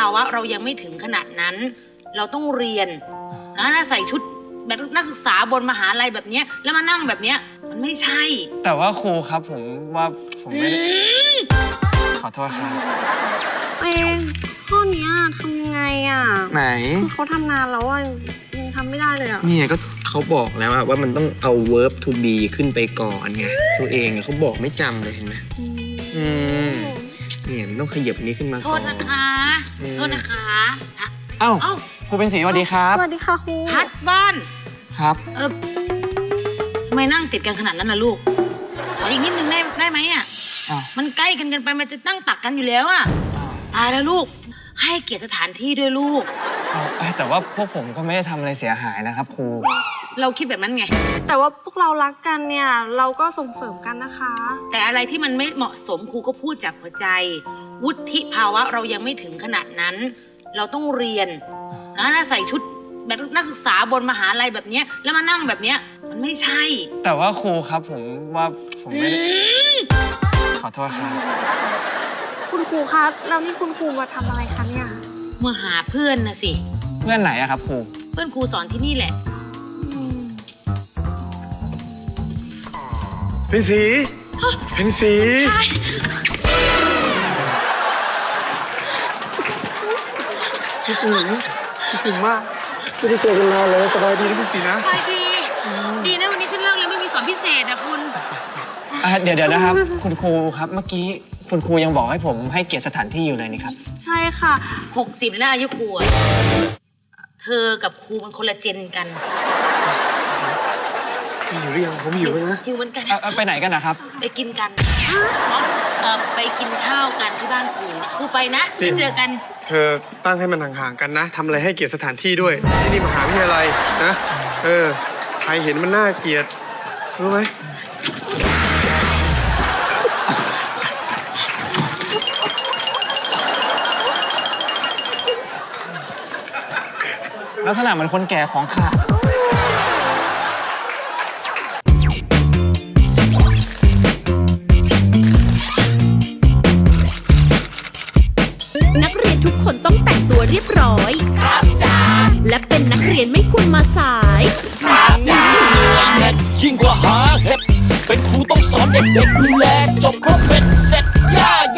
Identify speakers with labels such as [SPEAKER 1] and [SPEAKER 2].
[SPEAKER 1] าวะเรายังไม่ถึงขนาดนั้น เราต้องเรียนนะใส่ชุดแบบนักศึกษาบนมหาลัยแบบเนี้ยแล้วมานั่งแบบเนี้ยมันไม่ใช่
[SPEAKER 2] แต่ว่าครูครับผมว่าผมไม่ได้ขอโทษครับ
[SPEAKER 3] ข้อนี้ทำยังไงอ่ะ
[SPEAKER 2] ไหน
[SPEAKER 3] คือเขาทำนานแล้วอ่ะยังทำไม่ได้เลยอ่ะ
[SPEAKER 2] นี่ก็เขาบอกแล้วว่ามันต้องเอา verb to be ขึ้นไปก่อนไงตัวเองเขาบอกไม่จำเลยเห็นไหมเนี่ยมันต้องขยับนี้ขึ้นมาก่อน
[SPEAKER 1] โทษนะคะโทษนะคะ
[SPEAKER 2] เอ้าครูเป็นศรีสวัสดีครับ
[SPEAKER 3] สวัสดีค่ะครู
[SPEAKER 1] พัดบ้าน
[SPEAKER 2] ครับ
[SPEAKER 1] ทำไมนั่งติดกันขนาดนั้นล่ะลูกขออีกนิดนึงได้ไหมอ่ะมันใกล้กันไปมันจะตั้งตักกันอยู่แล้วอ่ะตายแล้วลูกให้เกียรติสถานที่ด้วยลูก
[SPEAKER 2] แต่ว่าพวกผมก็ไม่ได้ทำอะไรเสียหายนะครับครู
[SPEAKER 1] เราคิดแบบนั้นไง
[SPEAKER 3] แต่ว่าพวกเรารักกันเนี่ยเราก็ส่งเสริมกันนะคะ
[SPEAKER 1] แต่อะไรที่มันไม่เหมาะสมครูก็พูดจากหัวใจวุฒิภาวะเรายังไม่ถึงขนาดนั้นเราต้องเรียนนะใส่ชุดแบบนักศึกษาบนมหาลัยแบบเนี้ยแล้วมานั่งแบบเนี้ยมันไม่ใช่
[SPEAKER 2] แต่ว่าครูครับผมว่าผมไม่ได้ขอโทษครับ
[SPEAKER 3] คุณครูคะแล้วนี่คุณครูมาทำอะไรคะเนี่ย
[SPEAKER 1] มาหาเพื่อนนะสิ
[SPEAKER 2] เพื่อนไหนอะครับครู
[SPEAKER 1] เพื่อนครูสอนที่นี่แหละ
[SPEAKER 4] เป็นสีเป็นสีคิดถึงมากไม่ได้เจอกันนานเลยสบายดีนะพี่สีนะ
[SPEAKER 1] สบายดีนะวันนี้ฉันเลิกแล้วไม่มีสอนพิเศษนะคุณ
[SPEAKER 2] เดี๋ยวนะครับคุณครูครับเมื่อกี้คุณครูยังบอกให้ผมให้เกียรติสถานที่อยู่เลยนี่ครับ
[SPEAKER 3] ใช่ค่ะ
[SPEAKER 1] 60แล้วอายุครูเธอกับครูมันคนละเจนกัน
[SPEAKER 4] หิวหรือยังผมหิวแล้วนะ
[SPEAKER 1] หิวเหมือนกัน
[SPEAKER 2] ไปไหนกันนะครับ
[SPEAKER 1] ไปกินกันไปกินข้าวกันที่บ้านครูไปนะไปเจอกัน
[SPEAKER 4] เธอตั้งให้มันห่างๆกันนะทำอะไรให้เกียรติสถานที่ด้วยที่นี่มหาวิทยาลัยนะใครเห็นมันน่าเกลียดรู้ไหม
[SPEAKER 2] ลักษณะเหมือนคนแก่ของขาด
[SPEAKER 5] นักเรียนทุกคนต้องแต่งตัวเรียบร้อยครับจ้าและเป็นนักเรียนไม่ควรมาสาย
[SPEAKER 6] ครับจ้ายิ่งกว่าหาเห็ดเป็นครูต้องสอนเด็กๆดูแล